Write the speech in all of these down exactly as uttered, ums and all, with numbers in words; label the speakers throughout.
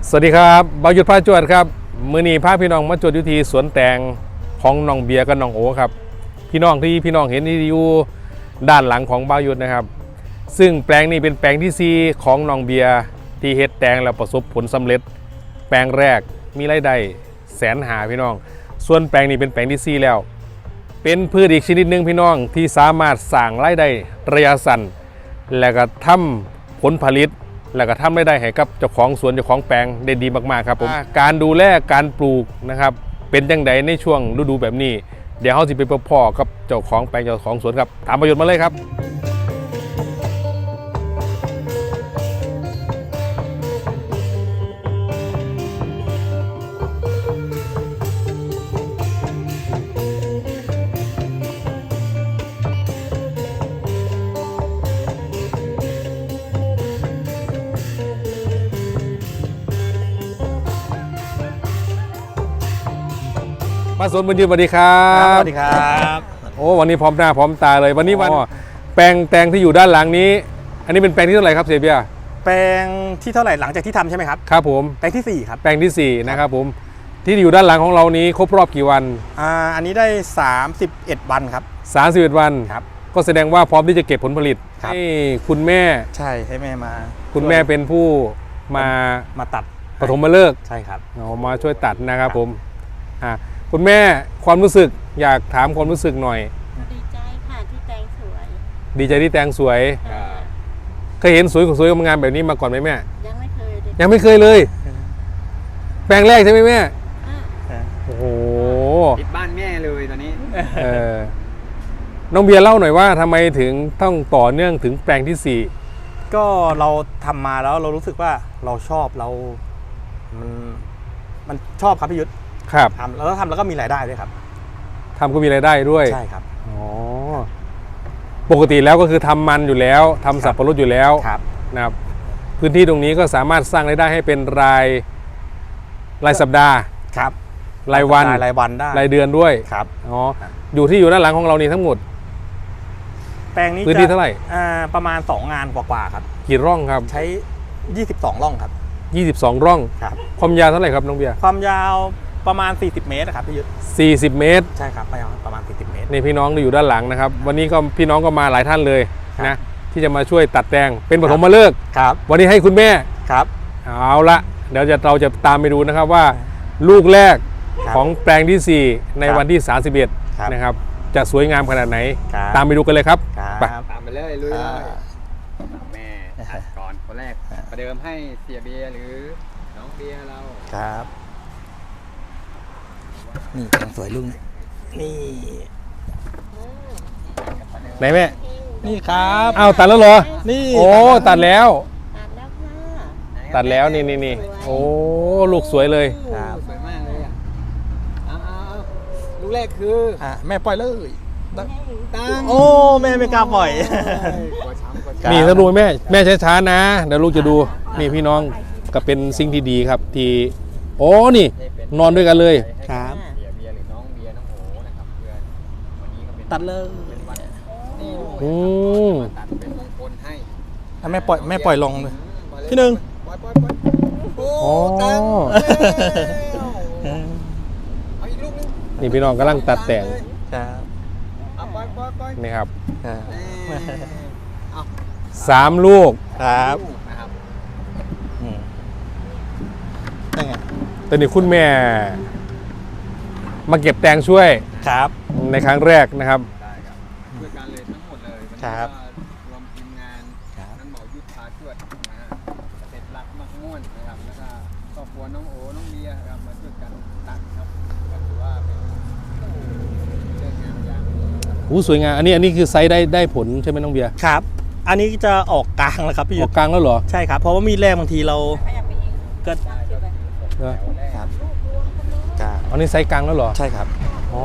Speaker 1: สวัสดีครับบ่าวหยุดพาจวดครับมื้อนี้พาพี่น้องมาจวดอยู่ที่สวนแตงของน้องเบียร์กับน้องโอครับพี่น้องที่พี่น้องเห็นที่อยู่ด้านหลังของบ่าวหยุดนะครับซึ่งแปลงนี้เป็นแปลงที่สี่ของน้องเบียร์ที่เฮ็ดแตงแล้วประสบผลสำเร็จแปลงแรกมีรายได้แสนหาพี่น้องส่วนแปลงนี้เป็นแปลงที่สี่แล้วเป็นพืชอีกชนิดหนึ่งพี่น้องที่สามารถสร้างรายได้ระยะสั้นและก็ทำผลผลิตแล้วก็ทำได้ได้ให้กับเจ้าของสวนเจ้าของแปลงได้ดีมากๆครับผมการดูแลการปลูกนะครับเป็นยังไงในช่วงฤดูแบบนี้เดี๋ยวเขาจะไปพบพ่อกับเจ้าของแปลงเจ้าของสวนครับตามประโยชน์มาเลยครับมาสวนบุญยืนสวัสดีครับ
Speaker 2: สวัสดีครับ
Speaker 1: โอ้วันนี้พร้อมหน้าพร้อมตาเลยวันนี้วันแปลงแตงที่อยู่ด้านหลังนี้อันนี้เป็นแปลงที่เท่าไหร่ครับเสียเบียร์
Speaker 2: แปลงที่เท่าไหร่หลังจากที่ทำใช่ไหมครับ
Speaker 1: ครับผม
Speaker 2: แปลงที่สี่ครับ
Speaker 1: แปลงที่สี่นะครับผมที่อยู่ด้านหลังของเรานี้ครบรอบกี่วัน
Speaker 2: อ่าอันนี้ได้สามสิบเอ็ดวันครับ
Speaker 1: สามสิบเอ็ดวัน
Speaker 2: ครับ
Speaker 1: ก็แสดงว่าพร้อมที่จะเก็บผลผลิตให้คุณแม่
Speaker 2: ใช่ให้แม่มา
Speaker 1: คุณแม่เป็นผู้มา
Speaker 2: มาตัด
Speaker 1: ปฐมฤกษ์
Speaker 2: ใช่ครับ
Speaker 1: เอามาช่วยตัดนะครับผมอ่าคุณแม่ความรู้สึกอยากถามความรู้สึกหน่อย
Speaker 3: ดีใจค่ะที่แตงสวย
Speaker 1: ดีใจที่แตงสวยเคยเห็นสวยสวยงามแบบนี้มาก่อนไหมแม่
Speaker 3: ยังไม่เคย
Speaker 1: ยังไม่เคยเลยแปลงแรกใช่ไหมแม่โอ้โห
Speaker 4: ติดบ้านแม่เลยตอนนี้
Speaker 1: เออน้องเบียร์เล่าหน่อยว่าทำไมถึงต้องต่อเนื่องถึงแปลงที่สี่
Speaker 2: ก็เราทำมาแล้วเรารู้สึกว่าเราชอบเรามันมันชอบครับพี่ยุทธ
Speaker 1: ครับ
Speaker 2: ทำแล้วทำแล้วก็มีรายได้ด้วยครับ
Speaker 1: ทำก็มีรายได้ด้วย
Speaker 2: ใช่ครับ
Speaker 1: อ๋อปกติแล้วก็คือทำมันอยู่แล้วทำสับปะรดอยู่แล้วนะครับพื้นที่ตรงนี้ก็สามารถสร้างรายได้ให้เป็นรายรายสัปดาห์
Speaker 2: ครับ
Speaker 1: รายวัน
Speaker 2: รายวันได้
Speaker 1: รายเดือนด้วย
Speaker 2: ครับ
Speaker 1: อ๋ออยู่ที่อยู่ด้านหลังของเรานี่ทั้งหมด
Speaker 2: แปลงนี้
Speaker 1: พื้นที่เท่าไหร่
Speaker 2: อ่าประมาณสองงานกว่าๆครับ
Speaker 1: กี่ร่องครับ
Speaker 2: ใช้ยี่สิบสองร่องครับ
Speaker 1: ยี่สิบสองร่อง
Speaker 2: ครับ
Speaker 1: ความยาวเท่าไหร่ครับน้องเบียร์
Speaker 2: ความยาวประมาณสี่สิบเมตรครับพี่ยุทธ
Speaker 1: สี่สิบเมตร
Speaker 2: ใช่ครับประมาณสี่สิบเมตร
Speaker 1: นี่พี่น้องอยู่ด้านหลังนะครับวันนี้ก็พี่น้องก็มาหลายท่านเลยนะที่จะมาช่วยตัดแตงเป็นปฐมฤกษ์
Speaker 2: ครับ
Speaker 1: วันนี้ให้คุณแม่
Speaker 2: ครับ
Speaker 1: เอาละเดี๋ยวจะเราจะตามไปดูนะครับว่าลูกแรกของแปลงที่สี่ในวันที่สามสิบเอ็ดนะครับจะสวยงามขนาดไหนตามไปดูกันเลยครับ
Speaker 4: ไปตามไปเลยลุยแม่ตัดก่อนคนแรกประเดิมให้เสียเบียร์หรือน้องเบียร์เรา
Speaker 2: ครับนี่แตงสวยลุงนี่
Speaker 1: ไหนแม่
Speaker 2: นี่ครับ
Speaker 1: อ้าวตัดแล้วเหรอ
Speaker 2: นี่
Speaker 1: โอ้ตัดแล้ว
Speaker 3: ตัดแล้วค่ะ
Speaker 1: ตัดแล้วนี่นี่นี่โอ้ลูกสวยเลย
Speaker 4: ครับสวยมากเลยอ่ะเอาเอาลูกแรกคือ
Speaker 2: อ่ะแม่ปล่อยเลย
Speaker 4: ตั้ง
Speaker 2: โอ้แม่ไม่กล้าปล่อย
Speaker 1: นี่ถ้าดูแม่แม่ช้าๆนะเดี๋ยวลูกจะดูนี่พี่น้องก็เป็นสิ่งที่ดีครับที่โอ้นี่นอนด้วยกันเลย
Speaker 2: ครับ
Speaker 4: เบียร์เบียร์หรือน้องเบียร์น้องโอนะครับเพื่อนวันนี้ก็เป็น
Speaker 2: ตัดเลย
Speaker 4: นี่
Speaker 1: อืม
Speaker 4: ตัดเป็นมงคลให้
Speaker 2: แม่ปล่อยแม่ปล่อยลงเลยพี่หนึ่ง
Speaker 4: ปล่อยปล่อยปล่อยโอ้ตั้งเอาอีกลูกนึง
Speaker 1: นี่พี่น้องกำลังตัดแต่ง
Speaker 2: ครับ
Speaker 4: เอาปล่อยปล่อยปล่อย
Speaker 1: นี่ครับ
Speaker 4: เอา
Speaker 1: สามลูก
Speaker 2: ครับ
Speaker 4: นะครับ
Speaker 2: นี่ไง
Speaker 1: ตอนนี้คุณแม่มาเก็บแตงช่วย
Speaker 2: ครับ
Speaker 1: ในครั้งแรกนะครับ
Speaker 4: ได้ครับช่วยกันเลยทั้งหมดเลย
Speaker 2: ครับ
Speaker 4: รวมทีมงานนั่นหมอยุทธพาช่วยนะฮะเสร็จรักมากม่วนนะครับแล้วก็ครอบครัวน้องโอน้องเบียร์ครับมาช่วยกันตัดครับก็ถือว่าเป็นเรื่องงานอย่าง
Speaker 1: โอ้สวยงามอันนี้อันนี้คือไซส์ได้ได้ผลใช่ไหมน้องเบียร์
Speaker 2: ครับอันนี้จะออกกลางแล้วครับพี่
Speaker 1: ออกกลางแล้วเหรอ
Speaker 2: ใช่ครับเพราะว่ามีแรกบางทีเราก็
Speaker 1: ครับอันนี้ไซส์กลางแล้วเหรอ
Speaker 2: ใช่ครับ
Speaker 1: อ๋อ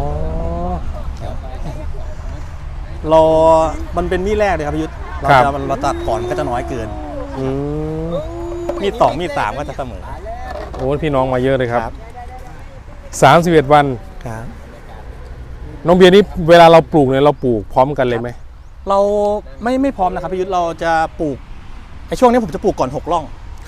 Speaker 2: รอมันเป็นมีดแรกเลยครับพี่ยุทธเราจะเราตัดก่อนก็จะน้อยเกินมีดสองมีดสามก็จะเสมอ
Speaker 1: โอ้พี่น้องมาเยอะเลยครับสามสิบเอ็ดวัน
Speaker 2: ครับ
Speaker 1: น้องเบียร์นี่เวลาเราปลูกเนี่ยเราปลูกพร้อมกันเลยไหม
Speaker 2: เราไม่ไม่พร้อมนะครับพี่ยุทธเราจะปลูกไอ้ช่วงนี้ผมจะปลูกก่อนหกร่อง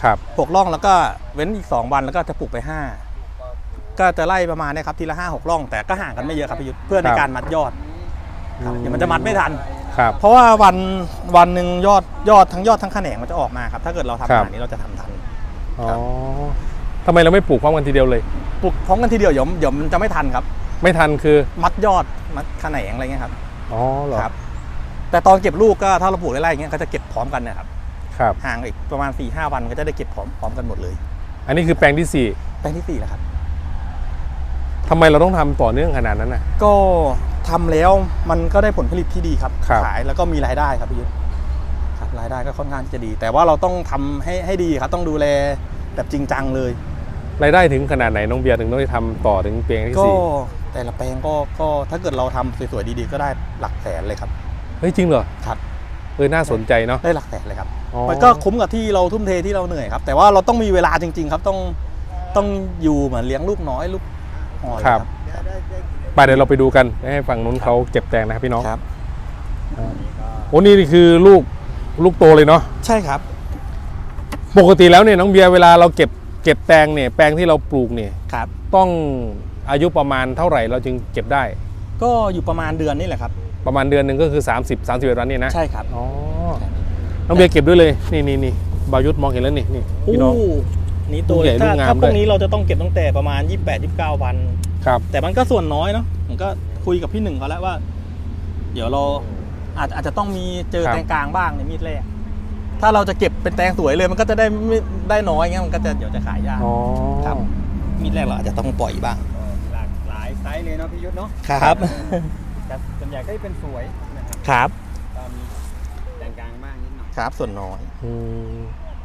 Speaker 1: ครับ
Speaker 2: หกร่องแล้วก็เว้นอีกสองวันแล้วก็จะปลูกไปห้าก็จะไล่ประมาณเนี้ครับทีละห้าหกร่องแต่ก็ห่างกันไม่เยอะครับพี่ยุทธเพื่อในการมัดยอดครับเดี๋ยวมันจะมัดไม่ทัน
Speaker 1: ครับ
Speaker 2: เพราะว่าวันวันหนึ่งยอดยอดทั้งยอดทั้งแขนงมันจะออกมาครับถ้าเกิดเราทำ
Speaker 1: ครับ
Speaker 2: ขนาดนี้เราจะทำทัน
Speaker 1: อ๋อทำไมเราไม่ปลูกพร้อมกันทีเดียวเลย
Speaker 2: ปลูกพร้อมกันทีเดียวเดี๋ยวเดี๋ยวมันจะไม่ทันครับ
Speaker 1: ไม่ทันคือ
Speaker 2: มัดยอดมัดแขนงอะไรเงี้ยครับ
Speaker 1: อ๋อเหรอ
Speaker 2: ครับแต่ตอนเก็บลูกก็ถ้าเราปลูกไล่ๆอย่างเงี้ยก็จะเก็บพร้อมกันเนะครับ
Speaker 1: ครับ
Speaker 2: ห่างอีกประมาณ สี่ห้า วันก็จะได้เก็บพร้อมพร้อมกันหมดเลย
Speaker 1: อันนี้คือแปลงที่สี่
Speaker 2: แปลงที่สี่แล้วครับ
Speaker 1: ทำไมเราต้องทำต่อเนื่องขนาดนั้นน่ะ
Speaker 2: ก็ทำแล้วมันก็ได้ผลผลิตที่ดีครับ
Speaker 1: ครับ
Speaker 2: ขายแล้วก็มีรายได้ครับพี่ยุทธครับรายได้ก็ค่อนข้างจะดี แต่ว่าเราต้องทำให้ให้ดีครับต้องดูแลแบบจริงจังเลย
Speaker 1: รายได้ถึงขนาดไหนน้องเบียร์ถึงต้องได้ทำต่อถึงแปลงที่
Speaker 2: ก็
Speaker 1: สี่
Speaker 2: แต่ละแปลงก็ก็ถ้าเกิดเราทำสวยๆดีๆก็ได้หลักแสนเลยครับ
Speaker 1: เฮ้ยจริงเหรอ
Speaker 2: ครับ
Speaker 1: เออน่าสนใจเนาะ
Speaker 2: ได้หลักแสนเลยครับ
Speaker 1: อ๋อ
Speaker 2: มันก็คุ้มกับที่เราทุ่มเทที่เราเหนื่อยครับแต่ว่าเราต้องมีเวลาจริง ๆ ครับต้องต้องอยู่เหมือนเลี้ยงลูกน้อยลูกอ่อนเลยครับ
Speaker 1: ไปเดี๋ยวเราไปดูกันให้ฝั่งนู้นเขาเก็บแตงนะครับพี่น้อง
Speaker 2: ครับ
Speaker 1: โอ้นี่คือลูกลูกโตเลยเนาะ
Speaker 2: ใช่ครับ
Speaker 1: ปกติแล้วเนี่ยน้องเบียร์เวลาเราเก็บเก็บแตงเนี่ยแปลงที่เราปลูกเนี่ย
Speaker 2: ครับ
Speaker 1: ต้องอายุประมาณเท่าไหร่เราจึงเก็บได้
Speaker 2: ก็อยู่ประมาณเดือนนี่แหละครับ
Speaker 1: ประมาณเดือนหนึ่งก็คือ 30 31วันนี่นะ
Speaker 2: ใช่ครับ
Speaker 1: อ๋อน้องเบียร์เก็บด้วยเลยนี่นี่นี่บายุทธมองเห็นแล้วนี่นี่พี่น้อง
Speaker 2: นี่ตัว
Speaker 1: ลูกใหญ่
Speaker 2: ถ้า
Speaker 1: ลูกงาม
Speaker 2: ถ้าพว
Speaker 1: ด้
Speaker 2: ก
Speaker 1: วย
Speaker 2: นี้เราจะต้องเก็บตั้งแต่ประมาณ ยี่สิบแปด ยี่สิบเก้า วัน
Speaker 1: ครับ
Speaker 2: แต่มันก็ส่วนน้อยเนาะผมก็คุยกับพี่หนึ่งเขาแล้วว่า เดี๋ยวเราอาจอาจจะต้องมีเจอ
Speaker 1: ครับ
Speaker 2: แตงกลางบ้างในมีดแรกถ้าเราจะเก็บเป็นแตงสวยเลยมันก็จะได้ไม่ได้น้อยเงี้ยมันก็จะเดี๋ยวจะขายยาก
Speaker 1: อ๋อ
Speaker 2: ครับ มีดแรกเราอาจจะต้องปล่อยบ้าง
Speaker 4: หลากหลายไซส์เลยเนาะพี่ยุทธเนาะ
Speaker 2: ครับ
Speaker 4: แต่ส่วนใหญ่ก็จะเป็นสวยนะครับ
Speaker 2: ครับ
Speaker 4: ก็มีแต่งกลางบ้างนิดหน่อย
Speaker 2: ครับส่วนน้อย
Speaker 1: อืม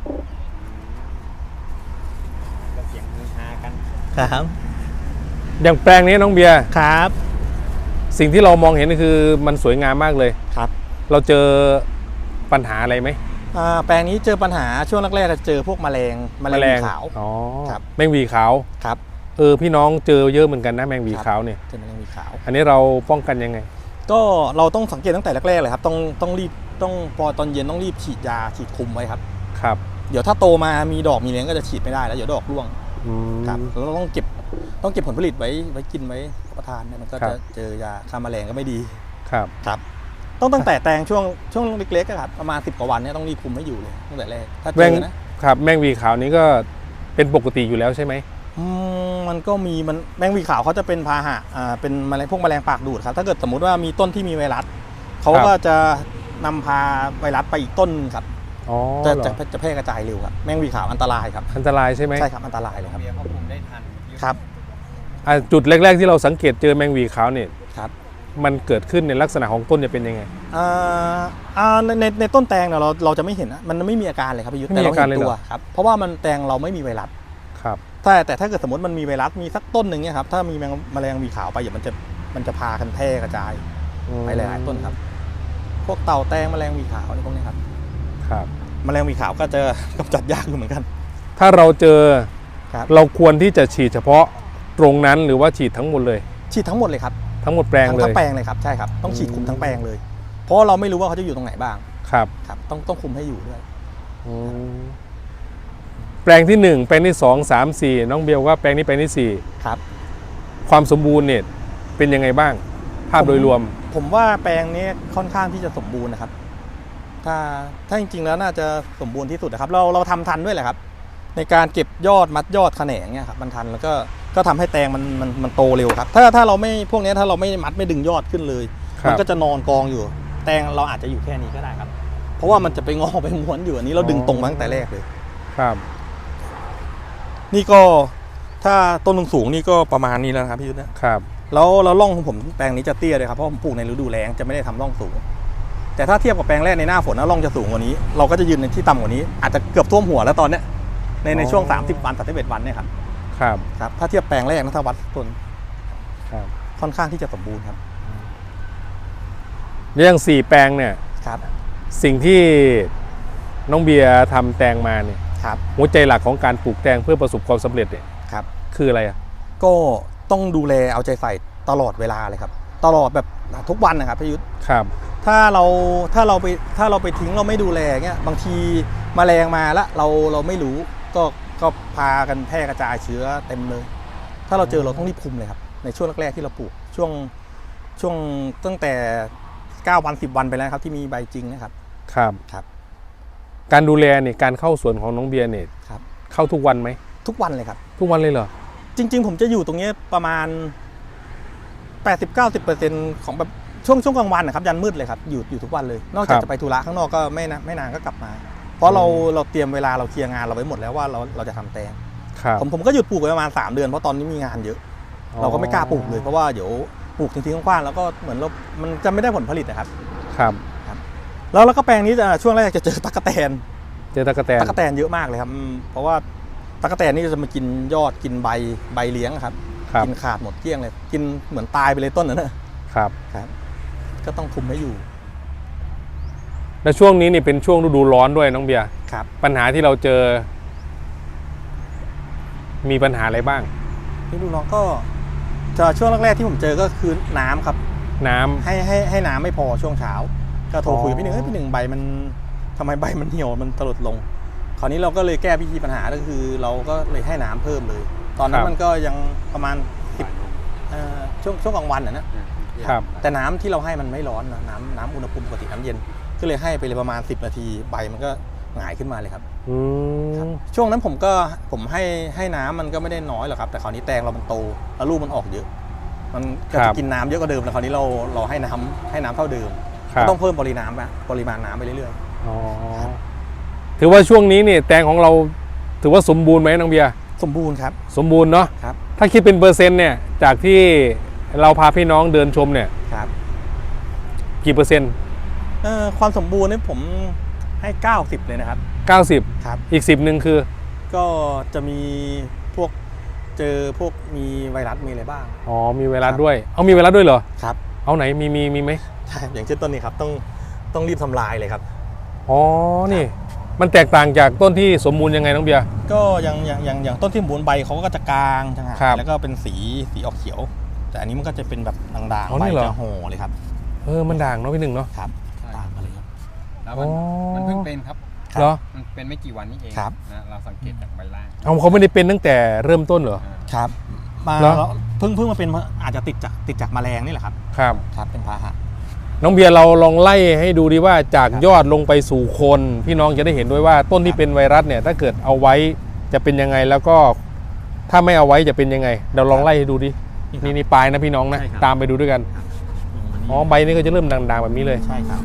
Speaker 4: ก็เสียงฮือฮากัน
Speaker 2: ครับ
Speaker 1: อย่างแปลงนี้น้องเบียร์
Speaker 2: ครับ
Speaker 1: สิ่งที่เรามองเห็นคือมันสวยงามมากเลย
Speaker 2: ครับ
Speaker 1: เราเจอปัญหาอะไรไหม
Speaker 2: อ่าแปลงนี้เจอปัญหาช่วงแรกๆจะเจอพวกแมลงแมลงวีขาว
Speaker 1: อ๋อ
Speaker 2: ครับ
Speaker 1: แมงวีขาว
Speaker 2: ครับ
Speaker 1: เออพี่น้องเจอเยอะเหมือนกันนะแมงวีขาวเนี่ย
Speaker 2: เจอแมลงวีขาว
Speaker 1: อันนี้เราป้องกันยังไง
Speaker 2: ก็เราต้องสังเกตตั้งแต่แรกๆเลยครับต้องต้องรีบต้องพอตอนเย็นต้องรีบฉีดยาฉีดคุมไว้ครับ
Speaker 1: ครับ
Speaker 2: เดี๋ยวถ้าโตมามีดอกมีเลี้ยงก็จะฉีดไม่ได้แล้วเดี๋ยวดอกร่วง
Speaker 1: อืม
Speaker 2: ครับแล้วเราต้องเก็บต้องเก็บผลผลิตไว้ไว้กินไว้รับประทานเนี่ยมันก็
Speaker 1: ครั
Speaker 2: จะ
Speaker 1: บ
Speaker 2: เจอยาฆ่าแมลงก็ไม่ดี
Speaker 1: ครับ
Speaker 2: ครับต้องตั้งแต่แตงช่วงช่วงเล็กๆอะครับประมาณสิบกว่าวันเนี่ยต้องรีบคุมให้อยู่เลยตั้งแต่แรกถ้าเจ
Speaker 1: แมง
Speaker 2: อนะครับ
Speaker 1: แมงวีขาวนี้ก็เป็นปกติอยู่แล้วใช่ไหม
Speaker 2: อืมมันก็มีมันแมงวีขาวเขาจะเป็นพาหะอ่าเป็นแมลงพวกแมลงปากดูดครับถ้าเกิดสมมุติว่ามีต้นที่มีไวรัสเขาก็จะนำพาไวรัสไปอีกต้นครับ
Speaker 1: อ๋อ
Speaker 2: จะ
Speaker 1: เหรอ
Speaker 2: จะจะแพร่กระจายเร็วครับแมงวีขาวอันตรายครับ
Speaker 1: อันตรายใช่ไหม
Speaker 2: ใช่ครับอันตรายเลยครับ
Speaker 4: เบียร์ควบคุมได้ทันพี่ยุทธ
Speaker 2: ครับ
Speaker 1: อ่ะจุดแรก ๆ ที่เราสังเกตเจอแมงวีขาวเนี่ย
Speaker 2: ครับ
Speaker 1: มันเกิดขึ้นในลักษณะของต้นจะเป็นยังไง
Speaker 2: อ่าอ่าในในในต้นแตงเนี่ยเราเราจะไม่เห็นนะมันไม่มีอาการเลยครับพี่ยุทธ
Speaker 1: ไม่
Speaker 2: แต่
Speaker 1: มี
Speaker 2: เรา
Speaker 1: อาการ
Speaker 2: เห็น
Speaker 1: เลย
Speaker 2: ตั
Speaker 1: เห
Speaker 2: ว
Speaker 1: รอ
Speaker 2: ครับเพราะว่ามันแตงเราไม่มีไวรัส
Speaker 1: ครับ
Speaker 2: แต่แต่ถ้าเกิดสมมติมันมีไวรัสมีสักต้นหนึ่งเนี่ยครับถ้ามีแมงแมลงวีขาวไปเดี๋ยวมันจะมันจะพากันแพร่กระจายไปหลายๆต้นครับ พวกเต่าแตงแมลงวีขาวอะไรพวกนี้ครับ
Speaker 1: ครับ
Speaker 2: แมลงวีขาวก็จะ กำจัดยากอยู่เหมือนกัน
Speaker 1: ถ้าเราเจอ
Speaker 2: ครับ
Speaker 1: เราควรที่จะฉีดเฉพาะตรงนั้นหรือว่าฉีดทั้งหมดเลย
Speaker 2: ฉีดทั้งหมดเลยครับ
Speaker 1: ทั้งหมดแปลง
Speaker 2: ทั้ง
Speaker 1: เล
Speaker 2: ทั้
Speaker 1: ย
Speaker 2: งแปลงเลยครับใช่ครับต้องฉีดคุมทั้งแปลงเลย เพราะว่าเราไม่รู้ว่าเขาจะอยู่ตรงไหนบ้าง
Speaker 1: ครับ
Speaker 2: ครับต้องต้องคุมให้อยู่ด้วย
Speaker 1: อืมแปลงที่หนึ่งแปลงที่สองสามสี่น้องเบลว่าแปลงนี้แปลงที่สี่
Speaker 2: ครับ
Speaker 1: ความสมบูรณ์เนี่ยเป็นยังไงบ้าง ภาพโดยรวม
Speaker 2: ผมว่าแปลงนี้ค่อนข้างที่จะสมบูรณ์นะครับ ถ้าถ้าจริงๆแล้วน่าจะสมบูรณ์ที่สุดนะครับ เราเราทำทันด้วยแหละครับ ในการเก็บยอดมัดยอดแขนงเนี่ยครับมันทันแล้วก็ก็ทำให้แตงมันมันมันโตเร็วครับ ถ้าถ้าเราไม่พวกนี้ถ้าเราไม่มัดไม่ดึงยอดขึ้นเลย
Speaker 1: ครับ
Speaker 2: มันก็จะนอนกองอยู่ แตงเราอาจจะอยู่แค่นี้ก็ได้ครับ เพราะว่ามันจะไปงอไปม้วนอยู่อันนี้เราดึงตรงมาตั้งแต่แรกเลย
Speaker 1: ครับ
Speaker 2: นี่ก็ถ้าต้นสูงๆนี่ก็ประมาณนี้แล้วนะครับพี่ยุทธนะครับ แล้วแล้วร่องของผมแปลงนี้จะเตี้ยเลยครับเพราะผมปลูกในฤดูแล้งจะไม่ได้ทำร่องสูง แต่ถ้าเทียบกับแปลงแรกในหน้าฝนนะร่องจะสูงกว่านี้ เราก็จะยืนในที่ต่ำกว่านี้อาจจะเกือบท่วมหัวแล้วตอนเนี้ยในในช่วงสามสิบวันสามสิบเอ็ดวันเนี่ยครับ
Speaker 1: ครับ
Speaker 2: ครับถ้าเทียบแปลงแรกนะถ้าวัดต้น
Speaker 1: ครับ
Speaker 2: ค่อนข้างที่จะสมบูรณ์ครับ
Speaker 1: เรื่องสี่แปลงเนี่ย
Speaker 2: ครับ
Speaker 1: สิ่งที่น้องเบียร์ทำแตงมาเนี่ย
Speaker 2: ครับ
Speaker 1: หัวใจหลักของการปลูกแตงเพื่อประสบความสำเร็จเนี่ย
Speaker 2: ครับ
Speaker 1: คืออะไรอ่ะ
Speaker 2: ก็ต้องดูแลเอาใจใส่ตลอดเวลาเลยครับตลอดแบบทุกวันนะครับพี่ยุทธ
Speaker 1: ครับ
Speaker 2: ถ้าเราถ้าเราไปถ้าเราไปทิ้งเราไม่ดูแลเงี้ยบางทีแมลงมาแล้วเราเราไม่รู้ก็ก็พากันแพร่กระจายเชื้อเต็มเลย ถ้าเราเจอเราต้องรีบคุมเลยครับในช่วงแรกๆที่เราปลูกช่วงช่วงตั้งแต่เก้าวันสิบวันไปแล้วครับที่มีใบจริงนะครับ
Speaker 1: ครับ
Speaker 2: ครับ
Speaker 1: การดูแลเนี่ยการเข้าสวนของน้องเบียร์เนี่ย
Speaker 2: ครับ
Speaker 1: เข้าทุกวันไหม
Speaker 2: ทุกวันเลยครับ
Speaker 1: ทุกวันเลยเหรอ
Speaker 2: จริง ๆ ผมจะอยู่ตรงนี้ประมาณ แปดสิบถึงเก้าสิบเปอร์เซ็นต์ ของแบบช่วงช่วงกลางวันนะครับยันมืดเลยครับอยู่อยู่ทุกวันเลยนอกจากจะไปธุระข้างนอกก็ไม่นะไม่นานก็กลับมา เพราะเราเราเตรียมเวลาเราเคลียร์งานเราไว้หมดแล้วว่าเราเราจะทำแตง
Speaker 1: ครับ
Speaker 2: ผมผมก็หยุดปลูกไปประมาณสามเดือนเพราะตอนนี้มีงานเยอะ เราก็ไม่กล้าปลูกเลยเพราะว่าเดี๋ยวปลูกทิ้งๆกว้างๆแล้วก็เหมือนเรา มันจะไม่ได้ผลผลิตนะครับ
Speaker 1: ครับ
Speaker 2: แล้วแล้วก็แปลงนี้จะช่วงแรกจะเจอตั๊กแตน
Speaker 1: เจอตะกะแตน
Speaker 2: ตั๊กแตนเยอะมากเลยครับอืมเพราะว่าตั๊กแตนนี่จะมากินยอดกินใบใบเลี้ยงครับ
Speaker 1: ครับ
Speaker 2: กินขาดหมดเกลี้ยงเลยกินเหมือนตายไปเลยต้นนั้นนะครับ ครับ ก็ต้องคุมให้อยู่
Speaker 1: และช่วงนี้นี่เป็นช่วงฤดูร้อนด้วยน้องเบียร์
Speaker 2: ครับ
Speaker 1: ปัญหาที่เราเจอ มีปัญหาอะไรบ้าง
Speaker 2: นี่ดูน้องก็จะช่วงแรกๆที่ผมเจอก็คือน้ำครับ
Speaker 1: น้ำ
Speaker 2: ให้ให้ให้น้ำไม่พอช่วงเช้า ก็โทรคุยกับพี่หนึ่ง
Speaker 1: อ๋อ
Speaker 2: เฮ้ยพี่หนึ่งใบมันทำไมใบมันเหี่ยวมันตลดลง คราวนี้เราก็เลยแก้วิธีปัญหาก็คือ เราก็เลยให้น้ำเพิ่มเลย ตอนนั้นมันก็ยังประมาณสิบเอ่อช่วงช่วงกลางวันนะนะครับ แต่น้ำที่เราให้มันไม่ร้อนนะน้ำน้ำอุณหภูมิปกติน้ำเย็น ก็เลยให้ไปเลยประมาณสิบนาทีใบมันก็หงายขึ้นมาเลยครับ
Speaker 1: อืม
Speaker 2: ช่วงนั้นผมก็ผมให้ให้น้ำมันก็ไม่ได้น้อยหรอกครับแต่คราวนี้แตงเรามันโตแล้วลูกมันออกเยอะ มันก็
Speaker 1: ครั
Speaker 2: จะ
Speaker 1: บ
Speaker 2: กินน้ำเยอะกว่าเดิมแล้วคราวนี้เราเราให้น้ำให้น้ำเท่าเดิม
Speaker 1: ครับ
Speaker 2: ก็ต้องเพิ่มปริมาณนะปริมาณน้ำไปเรื่อย
Speaker 1: อ๋อถือว่าช่วงนี้นี่แตงของเราถือว่าสมบูรณ์ไหมน้องเบียร์
Speaker 2: ๆ สมบูรณ์ครับ
Speaker 1: สมบูรณ์เนาะ
Speaker 2: ครับ
Speaker 1: ถ้าคิดเป็นเปอร์เซ็นต์เนี่ยจากที่เราพาพี่น้องเดินชมเนี่ย
Speaker 2: ครับ
Speaker 1: กี่เปอร์เซ็นต์
Speaker 2: เอ่อความสมบูรณ์นี่ผมให้เก้าสิบเลยนะครับ
Speaker 1: เก้าสิบ
Speaker 2: ครับ
Speaker 1: อีกสิบหนึ่งคือ
Speaker 2: ก็จะมีพวกเจอพวกมีไวรัสมีอะไรบ้าง
Speaker 1: อ๋อมีไวรัส
Speaker 2: ครับ
Speaker 1: ด้วยเอามีไวรัสด้วยเหรอ
Speaker 2: ครับ
Speaker 1: เอาไหนมีมีมีไหม
Speaker 2: ใช่อย่างเช่นต้นนี้ครับต้องต้องรีบทำลายเลยครับ
Speaker 1: อ๋อนี่ มันแตกต่างจากต้นที่สมบูรณ์ยังไงน้องเบียร์
Speaker 2: ก็อย่างอย่างอย่างอย่างต้นที่สมบูรณ์ใบเขาก็จะกลางจังห
Speaker 1: ครับ
Speaker 2: แล้วก็เป็นสีสีออกเขียว แต่อันนี้มันก็จะเป็นแบบด่าง
Speaker 1: อ๋อ
Speaker 2: ๆใบ
Speaker 1: นี่เหรอ
Speaker 2: จะห่อเลยครับ
Speaker 1: เออมันด่างเนาะพี่หนึ่งเนาะ
Speaker 2: ครับ
Speaker 4: ใช่
Speaker 2: ต่างกันเลยครับ
Speaker 4: แล้วมัน
Speaker 1: อ๋อ
Speaker 4: มันเพิ่งเป็นครับ
Speaker 1: เหรอ
Speaker 4: มันเป็นไม่กี่วันนี้เอง
Speaker 2: ครับ
Speaker 4: นะเราสังเกตจากใบล่าง
Speaker 1: เอาเขาไม่ได้เป็นตั้งแต่เริ่มต้นเหรอ
Speaker 4: อ่า
Speaker 2: ครับมา
Speaker 1: เหรอ
Speaker 2: แล้วเพิ่งเพิ่งมาเป็นอาจจะติดจากติดจากแมลงนี่แหละครับ
Speaker 1: ครับ
Speaker 2: ครับเป็นพาหะ
Speaker 1: น้องเบียร์เราลองไล่ให้ดูดีว่าจาก
Speaker 2: ครับ
Speaker 1: ยอดลงไปสู่โคนพี่น้องจะได้เห็นด้วยว่าต้นที่เป็นไวรัสเนี่ยถ้าเกิดเอาไว้จะเป็นยังไงแล้วก็ถ้าไม่เอาไว้จะเป็นยังไงเราลองไล่ให้ดูดินี่นี่ปลายนะพี่น้องนะ
Speaker 2: ใช่ครับ
Speaker 1: ตามไปดูด้วยกัน
Speaker 2: ลงมานี่
Speaker 1: อ๋อใบนี้ก็จะเริ่มด่างๆแบบนี้เลย
Speaker 2: ใช่ครับ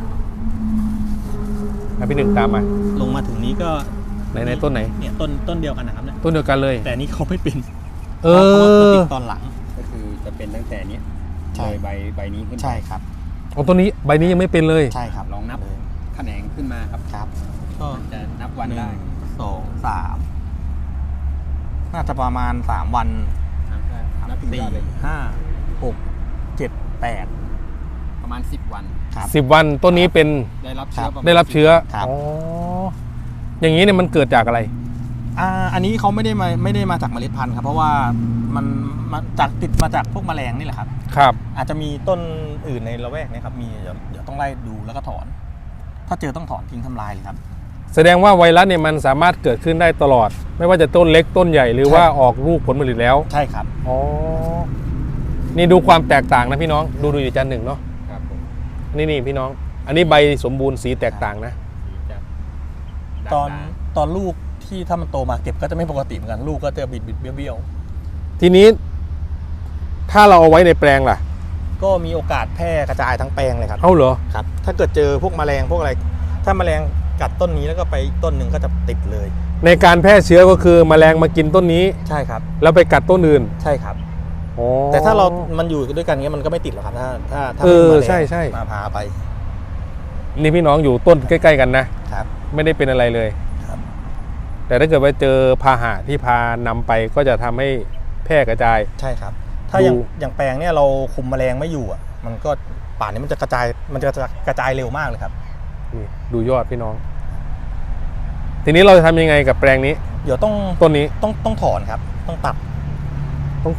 Speaker 1: นะพี่หนึ่งตามมา
Speaker 2: ลงมาถึงนี้ก็
Speaker 1: ในในต้นไหน
Speaker 2: เนี่ยต้นต้นเดียวกันนะครับเนี่ย
Speaker 1: ต้นเดียวกันเลย
Speaker 2: แต่อันนี้เขาไม่เป็น
Speaker 1: เอ
Speaker 2: เพราะว่ามัน
Speaker 1: อ
Speaker 2: ติดตอนหลัง
Speaker 4: ก็คือจะเป็นตั้งแต่เนี้ย
Speaker 2: ใช่
Speaker 4: เลยใบใบนี้ขึ้นไป
Speaker 2: ใช่ครับ
Speaker 1: เอาต้นนี้ใบนี้ยังไม่เป็นเลย
Speaker 2: ใช่ครับ
Speaker 4: ลองนับ
Speaker 2: เลย
Speaker 4: แขนงขึ้นมาครับ
Speaker 2: ครับก็
Speaker 4: จะนับวัน
Speaker 2: หนึ่
Speaker 4: ได้
Speaker 2: งสองสามน่าจะประมาณสามวัน
Speaker 4: นับถึงย
Speaker 2: สี่
Speaker 4: อดเลย
Speaker 2: ห้าหกเจ็ดแปด
Speaker 4: ประมาณสิบวัน
Speaker 2: ครับ
Speaker 1: สิบวันต้นนี้เป็น
Speaker 4: ได้รับเชื้อ
Speaker 2: ครับ
Speaker 4: ประมาณ
Speaker 1: ได้รับเชื้อ
Speaker 2: ครับ
Speaker 1: อ๋ออย่างนี้เนี่ยมันเกิดจากอะไร
Speaker 2: อ่าอันนี้เขาไม่ได้มาไม่ได้มาจากเมล็ดพันธุ์ครับ เพราะว่ามันมาจากติดมาจากพวกแมลงนี่แหละครับ
Speaker 1: ครับ
Speaker 2: อาจจะมีต้นอื่นในละแวกเนี้ครับมีเดี๋ยวเดี๋ยวต้องไล่ดูแล้วก็ถอน ถ้าเจอต้องถอนทิ้งทำลายเลยครับ
Speaker 1: แสดงว่าไวรัสเนี่ยมันสามารถเกิดขึ้นได้ตลอด ไม่ว่าจะต้นเล็กต้นใหญ่หรือ
Speaker 2: ใช่
Speaker 1: ว่าออกลูกผลผลิตแล้ว
Speaker 2: ใช่ครับ
Speaker 1: อ๋อนี่ดูความแตกต่างนะพี่น้องดูดูอยู่จานหนึ่งเนาะ
Speaker 4: ครับผม
Speaker 1: นี่นี่พี่น้อง อันนี้ใบสมบูรณ์สีแตกต่างนะ
Speaker 4: สีจะ
Speaker 2: ตอน
Speaker 4: ด่าง
Speaker 2: ตอนลูกที่ถ้ามันโตมาเก็บก็จะไม่ปกติเหมือนกันลูกก็จะบิดบิดเบี้ยวเบี้ยว
Speaker 1: ทีนี้ ถ้าเราเอาไว้ในแปลงล่ะ
Speaker 2: ก็มีโอกาสแพร่กระจายทั้งแปลงเลยครับ
Speaker 1: เอาเหรอ
Speaker 2: ครับ ถ้าเกิดเจอพวกแมลงพวกอะไร ถ้าแมลงกัดต้นนี้แล้วก็ไปอีกต้นหนึ่งก็จะติดเลย
Speaker 1: ในการแพร่เชื้อก็คือแมลงมากินต้นนี้
Speaker 2: ใช่ครับ
Speaker 1: แล้วไปกัดต้นอื่น
Speaker 2: ใช่ครับ
Speaker 1: อ๋อ
Speaker 2: แต่ถ้าเรามันอยู่ด้วยกันเงี้ยมันก็ไม่ติดหรอกครับถ้าถ้าถ้า
Speaker 1: เออ
Speaker 2: ไม่มีแมลง
Speaker 1: ใช่ใช่
Speaker 2: มาพาไป
Speaker 1: นี่พี่น้องอยู่ต้นใกล้ ๆ กันนะ
Speaker 2: ครับ
Speaker 1: ไม่ได้เป็นอะไรเลย
Speaker 2: ครับ
Speaker 1: แต่ถ้าเกิดว่าเจอพาหะที่พานำไปก็จะทำให้แพร่กระจาย
Speaker 2: ใช่ครับ ถ้าอย่าง
Speaker 1: ดู
Speaker 2: อย่างแปลงเนี่ยเราคุมแมลงไม่อยู่อ่ะ มันก็ป่านนี้มันจะกระจายมันจะกระจายเร็วมากเลยครับ
Speaker 1: นี่ดูยอดพี่น้อง ทีนี้เราจะทำยังไงกับแปลงนี้
Speaker 2: เดี๋ยวต้อง
Speaker 1: ต้นนี้
Speaker 2: ต้องต้องถอนครับ ต้องตัด
Speaker 1: ต้องตัด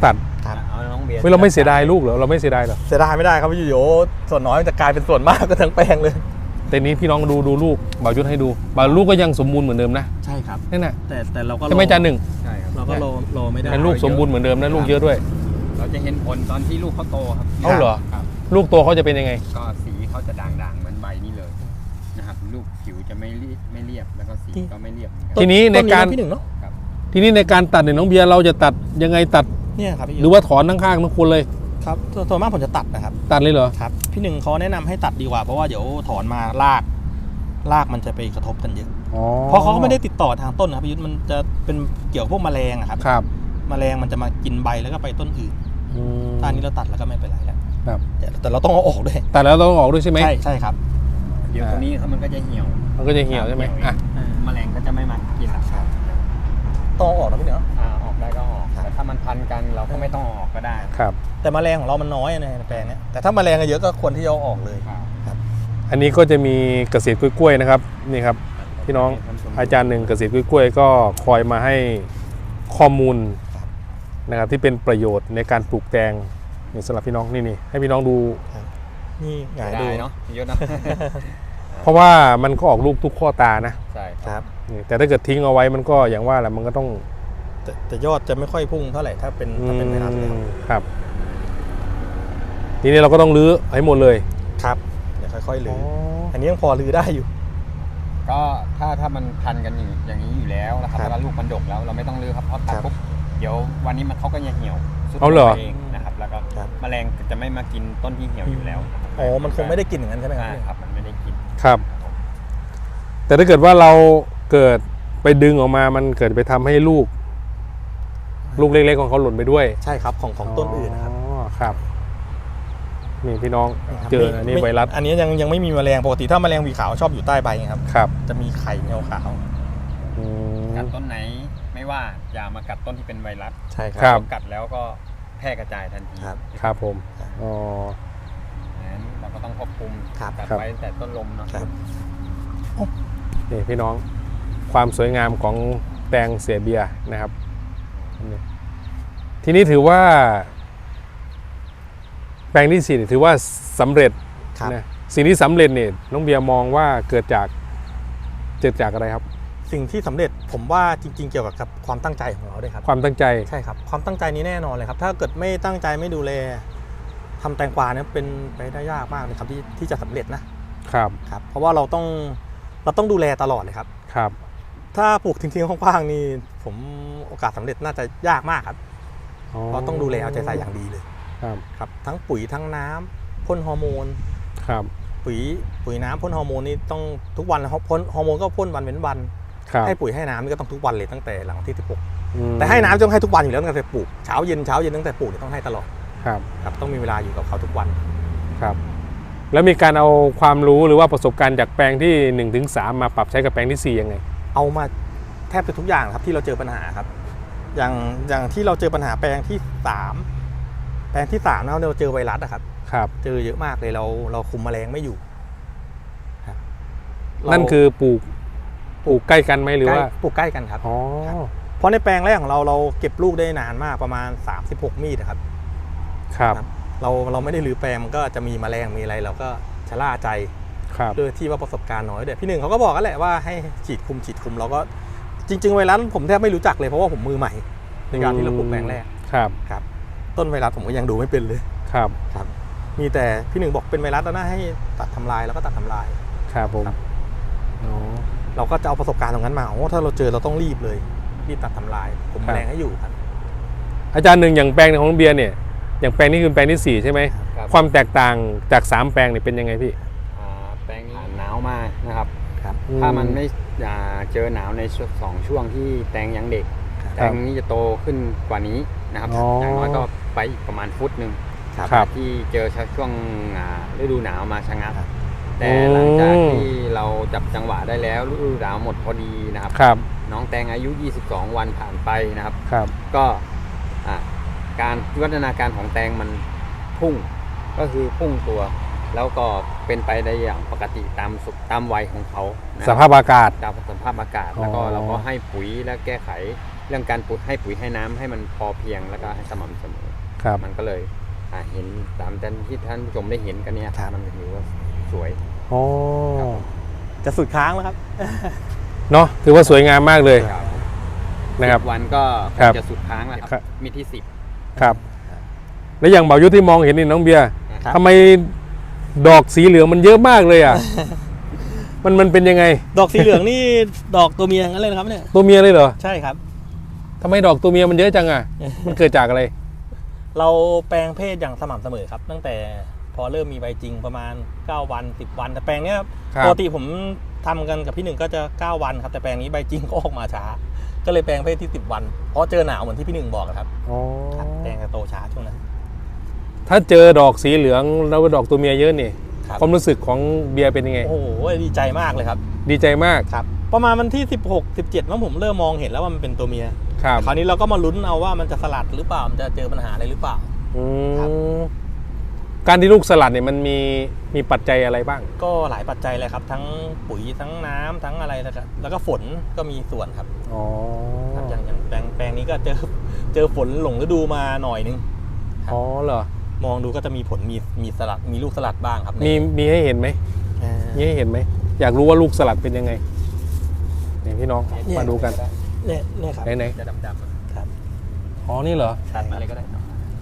Speaker 2: ครับ
Speaker 4: เอาน้องเบียร์
Speaker 1: เฮ้ยเราไม่เสียดายลูกเหรอเราไม่เสียดายเหรอ
Speaker 2: เสียดายไม่ได้ครับพี่โยส่วนน้อยมันจะกลายเป็นส่วนมากก็ทั้งแปลงเลย
Speaker 1: แต่นี้พี่น้องดูดูลูกบ่าวยุทธให้ดูบ่าวลูกก็ยังสมบูรณ์เหมือนเดิมนะ
Speaker 2: ใช่ครับ
Speaker 1: นั่นน่ะ
Speaker 2: แต่แต่เราก็
Speaker 1: ใช่ไหมจานหนึ่ง
Speaker 4: ใช่ครับ
Speaker 2: เราก็รอรอไม่ได้
Speaker 1: เป็นลูกสมบูรณ์เหมือนเดิมนะลูกเยอะด้วย
Speaker 4: เราจะเห็นผลตอนที่ลูกเขาโตครับ
Speaker 1: เอ้าเหรอ
Speaker 4: ครับ
Speaker 1: ลูกโตเขาจะเป็นยังไง
Speaker 4: ก็สีเขาจะด่างๆเหมือนใบนี่เลยนะครับลูกผิวจะไม่รีบไม่เรียบแล้วก็สีก็ไม่เรียบเหมือนกัน
Speaker 1: ทีนี้ในการ
Speaker 2: ต้พี่หนึ่งเนาะ
Speaker 1: ทีนี้ในการตัดเนี่ยน้องเบียร์เราจะตัดยังไงตัด
Speaker 2: เนี่ยครับพี่
Speaker 1: หรือว่าถอนทั้งข้างทั้งคนเลย
Speaker 2: ครับส่วนมากผมจะตัดนะครับ
Speaker 1: ตัดเลยเหรอ
Speaker 2: ครับพี่หนึ่งเขาแนะนำให้ตัดดีกว่าเพราะว่าเดี๋ยวถอนมารากรากมันจะไปกระทบกันเยอะ
Speaker 1: อ๋อ
Speaker 2: เพราะเขาก็ไม่ได้ติดต่อทางต้นนะครับพี่ยุทธมันจะเป็นเกี่ยวกับพวกแมลงอะครับ
Speaker 1: ครับ
Speaker 2: แมลงมันจะมากินใบแล้วก็ไปต้นอื่น
Speaker 1: อืม
Speaker 2: ถ้าอันนี้เราตัดแล้วก็ไม่เป็นไรแล้ว
Speaker 1: ครับ
Speaker 2: แต่แต่เราต้องเอาออกด้วย
Speaker 1: ตัดแล้วต้องออกด้วยใช่ไหม
Speaker 2: ใช่ใช่ครับ
Speaker 4: เดี๋ยวตัวนี้ครับมันก็จะเหี่ยว
Speaker 1: มันก็จะเหี่ยวใช่ไหมอ่ะ
Speaker 4: แมลงก็จะไม่มากินหรอกครับ
Speaker 2: ต้องเอาออกนะพี่เนาะ
Speaker 4: อ่าออกได้ก็ออกแต่ถ้ามันพันกันเราก็ไม่ต้องเอาออกก็ได้
Speaker 1: ครับ
Speaker 2: แต่แมลงของเรามันน้อยในแปลงเนี้ยแต่ถ้าแมลงเยอะก็ควรที่จะเอาออกเลย
Speaker 4: ครับ
Speaker 1: อันนี้ก็จะมีเกษตรกล้วยๆนะครับนี่ครับพี่น้องอาจารย์หนึ่งเกษตรกล้วยๆก็คอยมาให้ข้อมูลนะครับที่เป็นประโยชน์ในการปลูกแตงนี่สำหรับพี่น้องนี่นี่ให้พี่น้องดู
Speaker 2: นี่หงาย
Speaker 4: ได้
Speaker 2: ดู
Speaker 4: เนาะเยอะนะ
Speaker 1: เพราะว่ามันก็ออกลูกทุกข้อตานะ
Speaker 4: ใช่
Speaker 2: ครับ
Speaker 1: นี่แต่ถ้าเกิดทิ้งเอาไว้มันก็อย่างว่าแหละมันก็ต้อง
Speaker 2: แต่แต่ยอดจะไม่ค่อยพุ่งเท่าไหร่ถ้าเป็นถ้าเป็นไวรัสแล้ว
Speaker 1: อืมครับทีนี้เราก็ต้องรื้อให้หมดเลย
Speaker 2: ครับเดี๋ยวค่อยๆลื้ออันนี้ยังพอลื้อได้อยู่
Speaker 4: ก็ถ้าถ้ามันพันกันอย่างอย่างนี้อยู่แล้วนะครับ
Speaker 2: ครับ
Speaker 4: แล้วลูกมันดกแล้วเราไม่ต้องรื้อครับเพราะตัด
Speaker 2: ครับ
Speaker 4: ปุ๊บเดี๋ยววันนี้มันเขาก็จะเหี่ยวสุด
Speaker 1: เอาเหรอ
Speaker 4: เองนะครับแล้วก็
Speaker 2: ครับ
Speaker 4: แมลงจะไม่มากินต้นที่เหี่ยวอยู่แล้ว
Speaker 2: อ๋อมันคงไม่ได้กินอย่างนั้นใช่ไหมค
Speaker 4: ใช่
Speaker 2: รับ
Speaker 4: ครับมันไม่ได้กิน
Speaker 1: ครับ แต่ถ้าเกิดว่าเราเกิดไปดึงออกมามันเกิดไปทำให้ลูก ลูกเล็กๆของเขาหล่นไปด้วย
Speaker 2: ใช่ครับของของต้นอื่นนะครับ
Speaker 1: อ๋อครับ นี่พี่น้อง
Speaker 2: ครับ
Speaker 1: เจออันนี้
Speaker 2: ม่
Speaker 1: ไวรัส
Speaker 2: อันนี้ยังยังไม่มีแมลงปกติถ้าแมลงหวีขาวชอบอยู่ใต้ใบไงครับ
Speaker 1: ครับ
Speaker 2: จะมีไข่เงาขาว
Speaker 1: อืม
Speaker 4: กัดต้นไหนไม่ว่าอย่ามากัดต้นที่เป็นไวรัส
Speaker 2: ใช่ค
Speaker 1: ครั
Speaker 2: รับ
Speaker 1: บ
Speaker 4: กัดแล้วก็แพร่กระจายทันที
Speaker 2: ครับ
Speaker 1: ครับผมอ๋อ
Speaker 4: นั้นเราก็ต้องควบคุม
Speaker 2: ครับ
Speaker 4: กัด
Speaker 1: ครับ
Speaker 4: ไว้ตั้งแต่ต้นลมเนาะ
Speaker 2: ครับ
Speaker 1: นี่พี่น้องความสวยงามของแตงเสียเบียร์นะครับนี่ทีนี้ถือว่า แปลงที่สี่ถือว่าสำเร็จ
Speaker 2: ครับ
Speaker 1: นะสิ่งที่สำเร็จเนี่ยน้องเบียร์มองว่าเกิดจากเกิดจากอะไรครับ
Speaker 2: สิ่งที่สำเร็จผมว่าจริง ๆ เกี่ยวกับความตั้งใจของเราด้วยครับ
Speaker 1: ความตั้งใจ
Speaker 2: ใช่ครับความตั้งใจนี้แน่นอนเลยครับ ถ้าเกิดไม่ตั้งใจไม่ดูแลทำแตงกวาเนี่ยเป็นไปได้ยากมากเลยครับที่ที่จะสำเร็จนะครับ ครับ เพราะว่าเราต้องเราต้องดูแลตลอดเลยครับ
Speaker 1: ครับ
Speaker 2: ถ้าปลูกทิ้งๆคว้างๆนี่ผมโอกาสสำเร็จน่าจะยากมากครับเพราะต้องดูแลเอาใจใส่อย่างดีเลย
Speaker 1: ครับ
Speaker 2: ครับทั้งปุ๋ยทั้งน้ำพ่นฮอร์โมน
Speaker 1: ครับ
Speaker 2: ปุ๋ยปุ๋ยน้ำพ่นฮอร์โมนนี่ต้องทุกวันนะครับพ่นฮอร์โมนก็พ่นวันเว้นวัน
Speaker 1: ครับ
Speaker 2: ให้ปุ๋ยให้น้ำนี่ก็ต้องทุกวันเลยตั้งแต่หลังที่สิบหก
Speaker 1: อืม
Speaker 2: แต่ให้น้ำต้องให้ทุกวันอยู่แล้วตั้งแต่ปลูกเช้าเย็นเช้าเย็นตั้งแต่ปลูกเนี่ยต้องให้ตลอด
Speaker 1: ครับ
Speaker 2: ครับต้องมีเวลาอยู่กับเขาทุกวัน
Speaker 1: ครับ แล้วมีการเอาความรู้หรือว่าประสบการณ์จากแปลงที่หนึ่งถึงสามมาปรับใช้กับแปลงที่สี่ยังไง
Speaker 2: เอามาแทบจะทุกอย่างครับที่เราเจอปัญหาครับ อย่างอย่างที่เราเจอปัญหาแปลงที่สามแปลงที่สามเราเราเจอไวรัสอะครับ
Speaker 1: ครับ
Speaker 2: เจอเยอะมากเลยเราเราคุมแมลงไม่อยู่ครับเรา
Speaker 1: นั่นคือปลูกปลูกใกล้กันไหมหรือว่า
Speaker 2: ใกล้ปลูกใกล้กันครับ
Speaker 1: อ๋อ
Speaker 2: เพราะในแปลงแรกของเราเราเก็บลูกได้นานมากประมาณสามสิบหกมีดอะครับ
Speaker 1: ครับ
Speaker 2: เราเราไม่ได้รื้อแปลงมันก็จะมีแมลงมีอะไรเราก็ชะล่าใจ
Speaker 1: ครับ
Speaker 2: ด้วยที่ว่าประสบการณ์น้อยด้วยพี่หนึ่งเขาก็บอกกันแหละว่าให้ฉีดคุมฉีดคุมเราก็จริง ๆ ไวรัสผมแทบไม่รู้จักเลยเพราะว่าผมมือใหม่ในการที่เราปลูกแปลงแรก
Speaker 1: ครับ
Speaker 2: ครับต้นไวรัสผมก็ยังดูไม่เป็นเลย
Speaker 1: ครับ
Speaker 2: ครับมีแต่พี่หนึ่งบอกเป็นไวรัสแล้วนะให้ตัดทำลายแล้วก็ตัดทำลาย
Speaker 1: ครับผม
Speaker 2: ครับ
Speaker 1: อ๋อ
Speaker 2: เราก็จะเอาประสบการณ์ตรงนั้นมาโอ้ถ้าเราเจอเราต้องรีบเลยรีบตัดทำลายผมแมลงให้อยู่ครับ
Speaker 1: อาจารย์หนึ่งอย่างแปลงของน้องเบียร์เนี่ยอย่างแปลงนี้คือแปลงที่สี่ใช่ไหม
Speaker 4: ครับ
Speaker 1: ความแตกต่างจากสามแปลงเนี่ยเป็นยังไงพี่
Speaker 4: อ่าแปลงนี้หนาวมากนะครับ
Speaker 2: ครับ
Speaker 4: ถ้ามันไม่อ่าเจอหนาวในช่วงสองช่วงที่แตงยังเด็ก แตงนี้จะโตขึ้นกว่านี้นะครับ
Speaker 1: อ๋อ
Speaker 4: อ
Speaker 1: อย่าง
Speaker 4: น้อยก็ไปอีกประมาณฟุตหนึ่ง
Speaker 1: ครับ
Speaker 4: ที่เจอช่วงอ่าฤดูหนาวมาชะงัก
Speaker 2: ครับ
Speaker 4: แต่หลังจากที่เราจับจังหวะได้แล้วฤดูหนาวหมดพอดีนะครับ
Speaker 1: ครับ
Speaker 4: น้องแตงอายุ ยี่สิบสอง วันผ่านไปนะครับ
Speaker 1: ครับ
Speaker 4: ก็อ่าการวิวัฒนาการของแตงมันพุ่งก็คือพุ่งตัว แล้วก็เป็นไปได้อย่างปกติตามสุขตามวัยของเขานะ
Speaker 1: สภาพอากาศ
Speaker 4: ตามสภาพอากาศ แล้วก็
Speaker 1: อ๋อ
Speaker 4: เราก็ให้ปุ๋ยและแก้ไขเรื่องการปุ๋ยให้ปุ๋ยให้น้ำให้มันพอเพียงแล้วก็ให้สม่ำเสมอ
Speaker 1: ครับ
Speaker 4: มันก็เลยอ่าเห็นตามที่ท่านผู้ชมได้เห็นกันเนี่ยมันถือว่าสวย
Speaker 1: อ๋อ
Speaker 2: จะสุดค้างแล้วครับ
Speaker 1: เนาะถือว่าสวยงามมากเลย
Speaker 4: ครับ
Speaker 1: นะครับ
Speaker 4: สิบวันก็ค
Speaker 1: ครับ
Speaker 4: งจะสุดค้างแล้วค
Speaker 1: ครั
Speaker 4: รับ บมีที่สิบ
Speaker 1: ครับ แล้วอย่างเบายุทธที่มองเห็นนี่น้องเบียร์
Speaker 2: ครับ
Speaker 1: ทำไมดอกสีเหลืองมันเยอะมากเลยอ่ะ มันมันเป็นยังไง
Speaker 2: ดอกสีเหลืองนี่ ดอกตัวเมียงั้นเลยนะครับเนี่ย
Speaker 1: ตัวเมียเลยเหรอ
Speaker 2: ใช่ครับ
Speaker 1: ทำไมดอกตัวเมียมันเยอะจังอ่ะ มันเกิดจากอะไร
Speaker 2: เราแปลงเพศอย่างสม่ำเสมอครับ ตั้งแต่พอเริ่มมีใบจริงประมาณเก้าวันสิบวันแต่แปลงเนี้ย
Speaker 1: ครับ
Speaker 2: ปกติผมทำกันกับพี่หนึ่งก็จะเก้าวันครับแต่แปลงนี้ใบจริงก็ออกมาช้า ก็เลยแปลงเพศที่สิบวันเพราะเจอหนาวเหมือนที่พี่หนึ่งบอกครับ
Speaker 1: อ๋อ
Speaker 2: ครับแปลงจะโตช้าช่วงนั้น
Speaker 1: ถ้าเจอดอกสีเหลืองแล้วดอกตัวเมียเยอะนี่
Speaker 2: ครับ
Speaker 1: ความรู้สึกของเบียร์เป็นยังไง
Speaker 2: โอ้โหดีใจมากเลยครับ
Speaker 1: ดีใจมาก
Speaker 2: ครับประมาณวันที่สิบหก สิบเจ็ดว่าผมเริ่มมองเห็นแล้วว่ามันเป็นตัวเมีย
Speaker 1: ครับ
Speaker 2: คราวนี้เราก็มาลุ้นเอาว่ามันจะสลัดหรือเปล่ามันจะเจอปัญหาอะไรหรือเปล่า
Speaker 1: อื
Speaker 2: ครับ
Speaker 1: มการที่ลูกสลัดเนี่ยมันมีมีปัจจัยอะไรบ้าง
Speaker 2: ก็หลายปัจจัยเลยครับ ทั้งปุ๋ยทั้งน้ำทั้งอะไรแล้วก็แล้วก็ฝนก็มีส่วนครับ
Speaker 1: อ๋อ
Speaker 2: ครับอย่างอย่างแปลงแปลงนี้ก็เจอเจอฝนหลงฤดูมาหน่อยนึง
Speaker 1: อ๋อเหรอ
Speaker 2: มองดูก็จะมีผลมีมีสลัดมีลูกสลัดบ้างครับ
Speaker 1: มีมีให้เห็นไหม
Speaker 2: อ่า
Speaker 1: มีให้เห็นไหมอยากรู้ว่าลูกสลัดเป็นยังไงนี่พี่น้องมาดูกัน
Speaker 2: เนี่ยเนี่ยครับ
Speaker 1: ไหนไหน
Speaker 4: จะดำๆ
Speaker 2: ครับ
Speaker 1: อ๋อนี่เหรอ
Speaker 4: ตัดมาเลยก็ได้เนอะ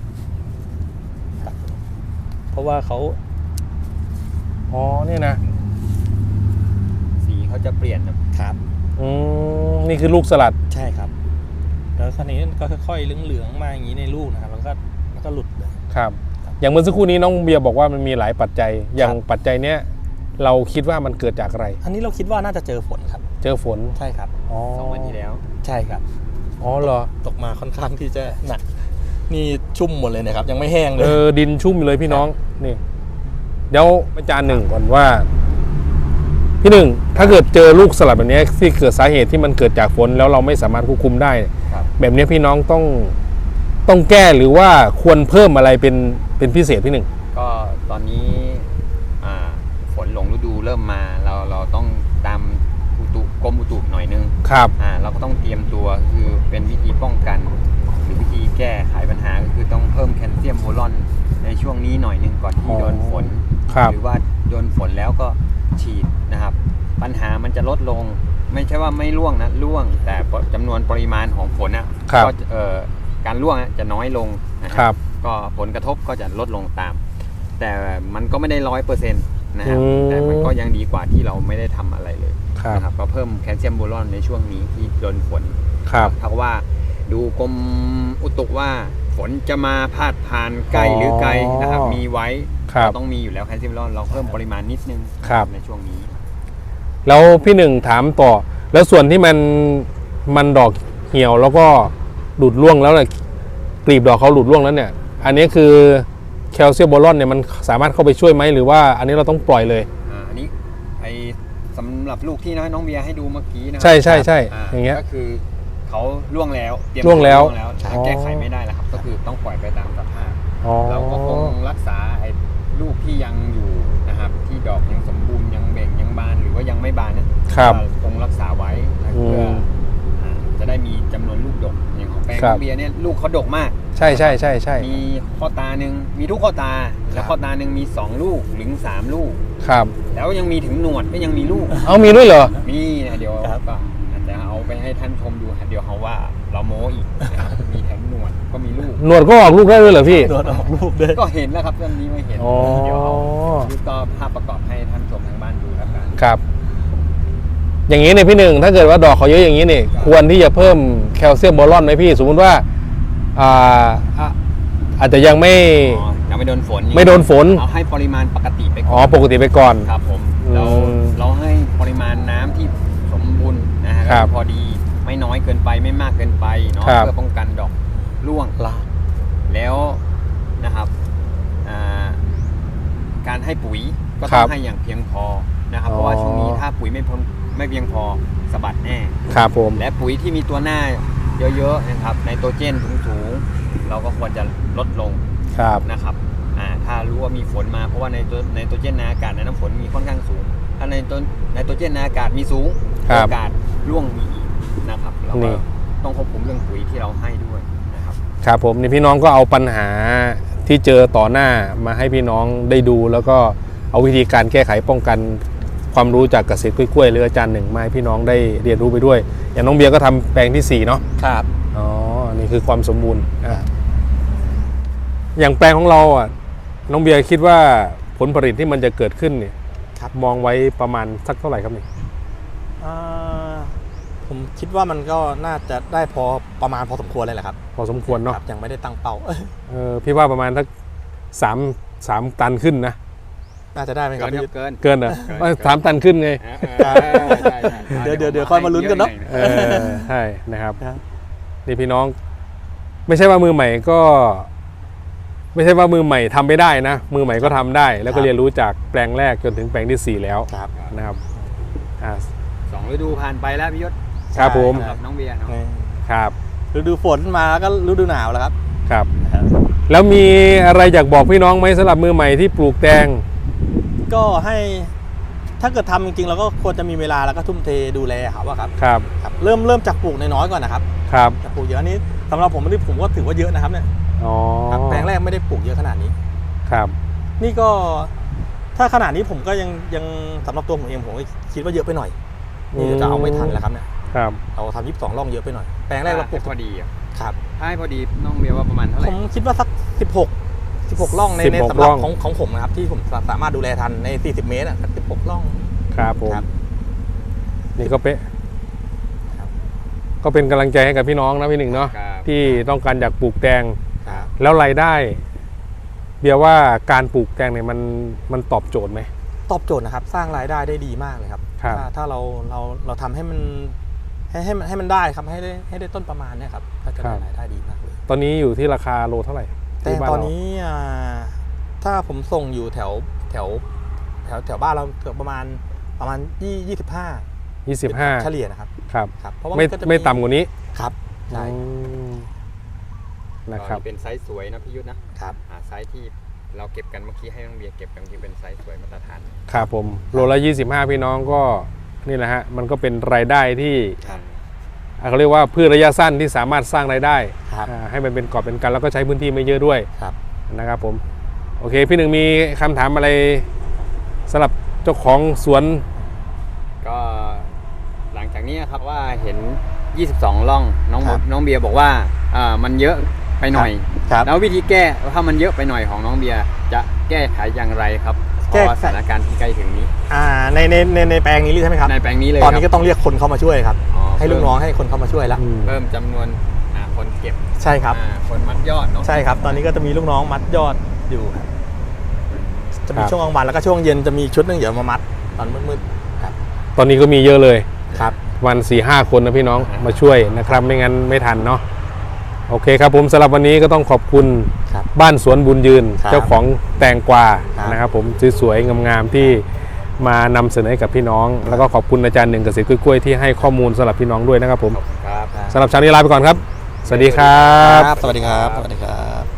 Speaker 2: เพราะว่าเขา
Speaker 1: อ๋อนี่นะ
Speaker 4: สีเขาจะเปลี่ยนครับ
Speaker 2: ครับ
Speaker 1: อืมนี่คือลูกสลัด
Speaker 2: ใช่ครับ แล้วคราวนี้ก็ค่อยๆเหลืองๆมาอย่างนี้ในลูกนะครับแล้วก็แล้วก็หลุดเลย
Speaker 1: ครับ อย่างเมื่อสักครู่นี้น้องเบียร์บอกว่ามันมีหลายปัจจัย อย่างปัจจัยเนี้ยเราคิดว่ามันเกิดจากอะไร
Speaker 2: อันนี้เราคิดว่าน่าจะเจอฝนครับ
Speaker 1: เจอฝน
Speaker 2: ใช่ครับ
Speaker 1: อ๋อ
Speaker 4: สองวันที่แล้ว
Speaker 2: ใช่ครับ
Speaker 1: อ๋อเหรอ
Speaker 2: ตกมาค่อนข้างที่จะหนักนี่ชุ่มหมดเลยนะครับ ยังไม่แห้งเล
Speaker 1: เอย อดินชุ่มอยู่เลยพี่น้องนี่เดี๋ยวอาจารย์หนึ่งก่อนว่า พี่หนึ่งถ้าเกิดเจอลูกสลัดแบบนี้ที่เกิดสาเหตุที่มันเกิดจากฝนแล้วเราไม่สามารถควบคุมได้
Speaker 4: ครับ
Speaker 1: แบบนี้พี่น้องต้องต้องแก้หรือว่าควรเพิ่มอะไรเป็นเป็นพิเศษพี่หนึ่ง
Speaker 4: ก็ตอนนี้อ่าฝนหลงฤดูเริ่มมาเราเราต้องตามอุตุกรมอุตุหน่อยนึง
Speaker 1: ครับ
Speaker 4: อ่าเราก็ต้องเตรียมตัวคือเป็นวิธีป้องกัน หรือวิธีแก้ไขปัญหาก็คือต้องเพิ่มแคลเซียมโบรอนในช่วงนี้หน่อยนึงก่อนที่โดนฝน
Speaker 1: ครับ
Speaker 4: หรือว่าโดนฝนแล้วก็ฉีดนะครับ ปัญหามันจะลดลง ไม่ใช่ว่าไม่ร่วงนะร่วง แต่จำนวนปริมาณของฝนอ่ะ
Speaker 1: ครับ
Speaker 4: ก็เอ่อการร่วงอะจะน้อยลงนะค
Speaker 1: ครั
Speaker 4: รับ ก็ผลกระทบก็จะลดลงตาม แต่มันก็ไม่ได้ร้อยเปอร์เซ็นต์นะครับ
Speaker 1: อืม
Speaker 4: แต่มันก็ยังดีกว่าที่เราไม่ได้ทำอะไรเลย
Speaker 1: ครับ
Speaker 4: นะครับก็เพิ่มแคลเซียมโบรอนในช่วงนี้ที่โดนฝน
Speaker 1: ครับ
Speaker 4: ถ้าว่าดูกรมอุตุว่าฝนจะมาพาดผ่านใกล้หรือไกลนะครับ
Speaker 1: อ๋อ
Speaker 4: มีไว้
Speaker 1: ครับ
Speaker 4: เราต้องมีอยู่แล้วแคลเซียมโบรอนเราเพิ่มปริมาณนิดนึง
Speaker 1: ครับ
Speaker 4: ในช่วงนี้
Speaker 1: แล้วพี่หนึ่งถามต่อ แล้วส่วนที่มันมันดอกเหี่ยวแล้วก็หลุดร่วงแล้วเนี่ยกลีบดอกเขาหลุดร่วงแล้วเนี่ย อันนี้คือแคลเซียมโบรอนเนี่ยมันสามารถเข้าไปช่วยไหมหรือว่าอันนี้เราต้องปล่อยเลย
Speaker 4: อ่าอันนี้ไอสำหรับลูกที่น้องเบียร์ให้ดูเมื่อกี้นะครั
Speaker 1: ใช่ใช่ใช่
Speaker 4: อ่า
Speaker 1: อย่างเงี้ย
Speaker 4: ก็คือเขาล่วงแล้วเตรียม
Speaker 1: ล่วงแล้ว
Speaker 4: ล่วงแล้วหาแก้ไขไม่ได้แล้วครับ ก็คือต้องปล่อยไปตามสภาพ
Speaker 1: อ๋อ
Speaker 4: เราก็คงรักษาไอ้ลูกที่ยังอยู่นะครับ ที่ดอกยังสมบูรณ์ยังเบ่งยังบานหรือว่ายังไม่บานนะครับ คงรักษาไว้นะ
Speaker 1: อืม
Speaker 4: เพื่ออ่าจะได้มีจำนวนลูกดกอย่างของแปลง
Speaker 1: ครับ
Speaker 4: เบียร์เนี่ยลูกเขาดกมาก
Speaker 1: ใช่ใช่ใช่ใช่
Speaker 4: มีข้อตาหนึ่งมีทุกข้อตา แล้วข้อตาหนึ่งมีสองลูกถึงสามลูก
Speaker 1: ครับ
Speaker 4: แล้วยังมีถึงหนวดก็ยังมีลูก
Speaker 1: เอามีด้วยเหรอ
Speaker 4: มีนะเดี๋ยว
Speaker 2: ครับ
Speaker 4: ก็อาจจะเอาไปให้ท่านชมดูเดี๋ยวเขาว่าเราโม้อีกนะครับมีแถมหนวดก็มีลูก
Speaker 1: หนวดก็ออกลูกได้ด้วยเหรอพี่
Speaker 2: โดนออกลูกด้วย
Speaker 4: ก็เห็นแล้วครับเรื่องนี้ไม่เห็น
Speaker 1: อ๋อ
Speaker 4: เดี๋ยวเอาดูต่อภาพประกอบให้ท่านชมทางบ้านดูแล้วกัน
Speaker 1: ครับ อย่างนี้เนี่ยพี่หนึ่งถ้าเกิดว่าดอกเขาเยอะอย่างนี้เนี่ยควรที่จะเพิ่มแคลเซียมโบรอนไหมพี่ สมมติว่าอ่าอ่ะอาจจะยังไม่
Speaker 4: อ๋อยังไม่โดนฝน
Speaker 1: ไม่โดนฝน
Speaker 4: เอาให้ปริมาณปกติไปก่
Speaker 1: อ๋
Speaker 4: อ
Speaker 1: อน ปกติไปก่อน
Speaker 4: ครับผม
Speaker 1: อืม
Speaker 4: เราเราให้ปริมาณน้ำที่สมบูรณ์นะฮะ
Speaker 1: ครับ
Speaker 4: พอดีไม่น้อยเกินไปไม่มากเกินไปเนาะ
Speaker 1: ครับ
Speaker 4: เพื่อป้องกันดอกร่วง
Speaker 2: ลา
Speaker 4: แล้วนะครับอ่าการให้ปุ๋ยก็
Speaker 1: ครั
Speaker 4: ต้อบ งให้อย่างเพียงพอนะครับ
Speaker 1: อ๋อ
Speaker 4: เพราะว่าช่วงนี้ถ้าปุ๋ยไม่พอไม่เพียงพอสะบัดแน่
Speaker 1: ครับผม
Speaker 4: และปุ๋ยที่มีตัวหน้าเยอะๆนะครับไนโตรเจนสูงๆเราก็ควรจะลดลง
Speaker 1: ครับ
Speaker 4: นะครับอ่าถ้ารู้ว่ามีฝนมาเพราะว่าในตัวไนโตรเจนในอากาศในน้ำฝนมีค่อนข้างสูง ถ้าในตัวไนโตรเจนในอากาศมีสูง
Speaker 1: ครับ
Speaker 4: โอกาสร่วงมีอีกนะครับเรา
Speaker 1: นี่
Speaker 4: ก็ต้องควบคุมเรื่องปุ๋ยที่เราให้ด้วยนะครับ
Speaker 1: ครับผมนี่พี่น้องก็เอาปัญหาที่เจอต่อหน้ามาให้พี่น้องได้ดู แล้วก็เอาวิธีการแก้ไขป้องกันความรู้จากเกษตรกล้วยๆหรืออาจารย์หนึ่งมาให้พี่น้องได้เรียนรู้ไปด้วย อย่างน้องเบียร์ก็ทำแปลงที่สี่เนาะ
Speaker 2: ครับ
Speaker 1: อ๋อนี่คือความสมบูรณ์อ่ะอย่างแปลงของเราอ่ะน้องเบียร์คิดว่าผลผลิตที่มันจะเกิดขึ้นเนี่ย
Speaker 2: ครับ
Speaker 1: มองไว้ประมาณสักเท่าไหร่ครับนี่
Speaker 2: อ่าผมคิดว่ามันก็น่าจะได้พอประมาณพอสมควรเลยแหละครับ
Speaker 1: พอสมควรเนาะ
Speaker 2: ครับยังไม่ได้ตั้งเป้า
Speaker 1: เออพี่ว่าประมาณสักสามสามตันขึ้นนะ
Speaker 2: น่าจะได้ไหมค
Speaker 4: เกิ
Speaker 2: รับ
Speaker 4: นครับ
Speaker 2: พี่
Speaker 4: เกิน
Speaker 1: เกินเหรอ
Speaker 4: เกิน
Speaker 1: ว่าสามตันขึ้นไง
Speaker 4: เออเออใช่ใช่
Speaker 2: เดี๋ยวเดี๋ยวเดี๋ยวค่อยมาลุ้นกันเนอะ
Speaker 1: เออใช่นะครับ
Speaker 2: ครับ
Speaker 1: นี่พี่น้อง ไม่ใช่ว่ามือใหม่ก็ ไม่ใช่ว่ามือใหม่ทำไม่ได้นะ มือใหม่ก็ทำได้ แล้วก็เรียนรู้จากแปลงแรกจนถึงแปลงที่สี่แล้ว
Speaker 2: ครับ
Speaker 1: นะครับอ่า
Speaker 4: สองฤดูผ่านไปแล้วพี่ยศ
Speaker 1: ครับผม
Speaker 4: สำหรับน้องเบียร์เนาะ
Speaker 2: นี่
Speaker 1: ครับ
Speaker 2: ฤดูฝนมาแล้วก็ฤดูหนาวแล้วครับ
Speaker 1: ครับ แล้วมีอะไรอยากบอกพี่น้องไหมสำหรับมือใหม่ที่ปลูกแตง
Speaker 2: ก็ให้ถ้าเกิดทำจริงๆเราก็ควรจะมีเวลาแล้วก็ทุ่มเทดูแลครับว่าครับ
Speaker 1: ครับ
Speaker 2: ครับเริ่มเริ่มจากปลูกน้อยๆก่อนนะครับ
Speaker 1: ครับ
Speaker 2: จากปลูกเยอะอันนี้สำหรับผมนี่ผมก็ถือว่าเยอะนะครับเนี่ย
Speaker 1: อ๋อ
Speaker 2: ครับแปลงแรกไม่ได้ปลูกเยอะขนาดนี้
Speaker 1: ครับ
Speaker 2: นี่ก็ถ้าขนาดนี้ผมก็ยังยังสำหรับตัวผมเองผมก็คิดว่าเยอะไปหน่อยนี่จะเอาไม่ทันแล้วครับเนี่ย
Speaker 1: ครับ
Speaker 2: เราทำยี่สิบสองร่องเยอะไปหน่อยแปลงแรกเราปลูก
Speaker 4: พอดีอ่ะ
Speaker 2: ครับ
Speaker 4: ถ้าให้พอดีน้องเบียร์ว่าประมาณเท่าไห
Speaker 2: ผ
Speaker 4: ร่
Speaker 2: มคิดว่าสักสิบหก สิบหกร่องในใน
Speaker 1: สิบหก
Speaker 2: สำหรับ
Speaker 1: ร่อง
Speaker 2: ของของผมนะครับที่ผมสามารถดูแลทันในสี่สิบเมตรอ่ะสิบหกร่อง
Speaker 1: ครับผม
Speaker 2: ครับ
Speaker 1: นี่ก็เป๊ะ
Speaker 2: ครับ
Speaker 1: ก็เป็นกำลังใจให้กับพี่น้องนะพี่หนึ่งเนาะ
Speaker 4: ครับ
Speaker 1: ที่ต้องการอยากปลูกแตง
Speaker 2: ครับ
Speaker 1: แล้วรายได้ เบียร์ว่าการปลูกแตงเนี่ยมันมันตอบโจทย์ไหม
Speaker 2: ตอบโจทย์นะครับสร้างรายได้ได้ดีมากเลยครับ
Speaker 1: ครับ
Speaker 2: ถ้าถ้าเราเราเราทำให้มันให้ให้มันให้มันได้ครับให้ได้ให้ได้ต้นประมาณเนี่ยครับก็จะได้รายได้ดีมากเลย
Speaker 1: ตอนนี้อยู่ที่ราคาโลเท่าไหร่
Speaker 2: แต่
Speaker 1: ที่บ้า
Speaker 2: ตอน
Speaker 1: เรา
Speaker 2: นี้อ่าถ้าผมส่งอยู่แถวแถวแถวแถวบ้านเราเกือบประมาณประมาณยี่ยี่สิบห้า
Speaker 1: ยี่สิบห้า
Speaker 2: เฉลี่ยนะครับ
Speaker 1: ครับ
Speaker 2: ครับเพราะว่า
Speaker 1: ไม่
Speaker 2: นก็จะ
Speaker 1: ไม่ต่ำกว่านี้
Speaker 2: ครับใช่
Speaker 1: อืมนะครับ
Speaker 4: ก็เป็นไซส์สวยนะพี่ยุทธนะครับ อ่าไซส์ที่เราเก็บกันเมื่อกี้ให้น้องเบียร์เก็บกันที่เป็นไซส์สวยมาตรฐาน
Speaker 1: ครับผมโลละยี่สิบห้าพี่น้องก็นี่แหละฮะมันก็เป็นรายได้ที่
Speaker 2: ครับ
Speaker 1: อ่าเขาเรียกว่าพืชระยะสั้นที่สามารถสร้างรายได้
Speaker 2: ครับ
Speaker 1: อ่าให้มันเป็นกอบเป็นกันแล้วก็ใช้พื้นที่ไม่เยอะด้วย
Speaker 2: ครับ
Speaker 1: นะครับผมโอเคพี่หนึ่งมีคำถามอะไรสำหรับเจ้าของสวน
Speaker 4: ก็หลังจากนี้ครับว่าเห็น ยี่สิบสอง ร่องน้อง
Speaker 2: ครับ
Speaker 4: น้องเบียร์บอกว่าอ่ามันเยอะไปหน่อย
Speaker 2: ครับ
Speaker 4: แล้ววิธีแก้ถ้ามันเยอะไปหน่อยของน้องเบียร์จะแก้ไขอย่างไรครับเพ
Speaker 2: แก้
Speaker 4: ราะว่า
Speaker 2: ไข
Speaker 4: สถานการณ์ที่ใกล้ถึงนี้
Speaker 2: อ่าในในในในแปลงนี้ใช่ไหมครับ
Speaker 4: ในแปลงนี้เลย
Speaker 2: ตอนนี้
Speaker 4: ค
Speaker 2: ก็
Speaker 4: รับ
Speaker 2: ต้องเรียกคนเข้ามาช่วยครับ
Speaker 4: อ๋อ
Speaker 2: ให้ลูกน้องให้คนเข้ามาช่วยแล้ว
Speaker 1: อืม
Speaker 4: เพิ่มจำนวนอ่าคนเก็บ
Speaker 2: ใช่ครับ
Speaker 4: อ่าคนมัดยอดเนาะ
Speaker 2: ใช่ครับ ตอนนี้ก็จะมีลูกน้องมัดยอดอยู่ครับจะมี
Speaker 1: ครับ
Speaker 2: ช่วงกลางวันแล้วก็ช่วงเย็นจะมีชุดหนึงเดี๋ยวมามัดตอนมืดๆครับ
Speaker 1: ตอนนี้ก็มีเยอะเลย
Speaker 2: ครับ
Speaker 1: วันสี่ห้าคนนะพี่น้องมาช่วยนะครับไม่งั้นไม่ทันเนาะโอเคครับผมสำหรับวันนี้ก็ต้องขอบคุณ
Speaker 2: ครับ
Speaker 1: บ้านสวนบุญยืน
Speaker 2: ครับ
Speaker 1: เจ้าของแตงกวา
Speaker 2: ครับ
Speaker 1: นะครับผมสวยๆงามๆที่มานำเสนอให้กับพี่น้อง แล้วก็ขอบคุณอาจารย์หนึ่งเกษตรกล้วยๆที่ให้ข้อมูลสำหรับพี่น้องด้วยนะครับผม
Speaker 4: ครับ
Speaker 1: สำหรับเช้านี้ลาไปก่อนครับ สวัสดีครับ
Speaker 2: สวัสดีครับ สวัสดีครับ